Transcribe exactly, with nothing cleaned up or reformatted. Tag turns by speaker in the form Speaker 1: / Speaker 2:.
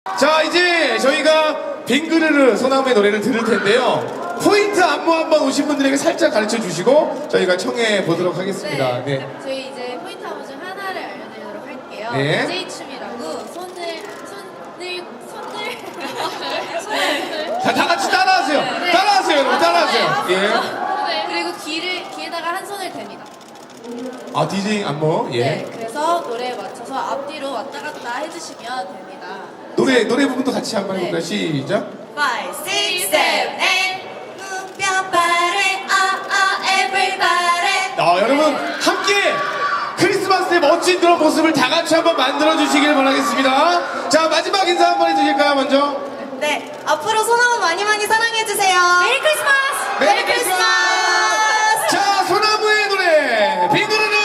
Speaker 1: 자, 이제 저희가 빙그르르 소나무의 노래를 들을 텐데요. 포인트 안무 한번 오신 분들에게 살짝 가르쳐 주시고 저희가 청해 보도록 하겠습니다. 네.
Speaker 2: 네. 저희 이제 포인트 안무 중 하나를 알려드리도록 할게요.
Speaker 1: 네.
Speaker 2: 디제이 춤이라고 손을 손을 손을 손을
Speaker 1: 자, 다 같이 따라하세요.
Speaker 2: 네.
Speaker 1: 따라하세요, 여러분. 따라하세요. 예.
Speaker 2: 네. 그리고 귀를 귀에다가 한 손을 댑니다.
Speaker 1: 아, 디제이 안무. 예.
Speaker 2: 네. 그래서 노래에 맞춰서 앞뒤로 왔다 갔다 해주시면 됩니다.
Speaker 1: 노래 노래 부분도 같이 한번
Speaker 2: 네.
Speaker 1: 해볼까요? 시작.
Speaker 3: five, six, seven, eight. 무뼈빠래, ah, ah, everybody.
Speaker 1: 아, 여러분 함께 크리스마스 때 멋진 그런 모습을 다 같이 한번 만들어 주시길 바라겠습니다. 자, 마지막 인사 한번 해주실까요, 먼저?
Speaker 3: 네, 앞으로 소나무 많이 많이 사랑해주세요. 메리 크리스마스!
Speaker 1: 메리 크리스마스! 자, 소나무의 노래 빙그르르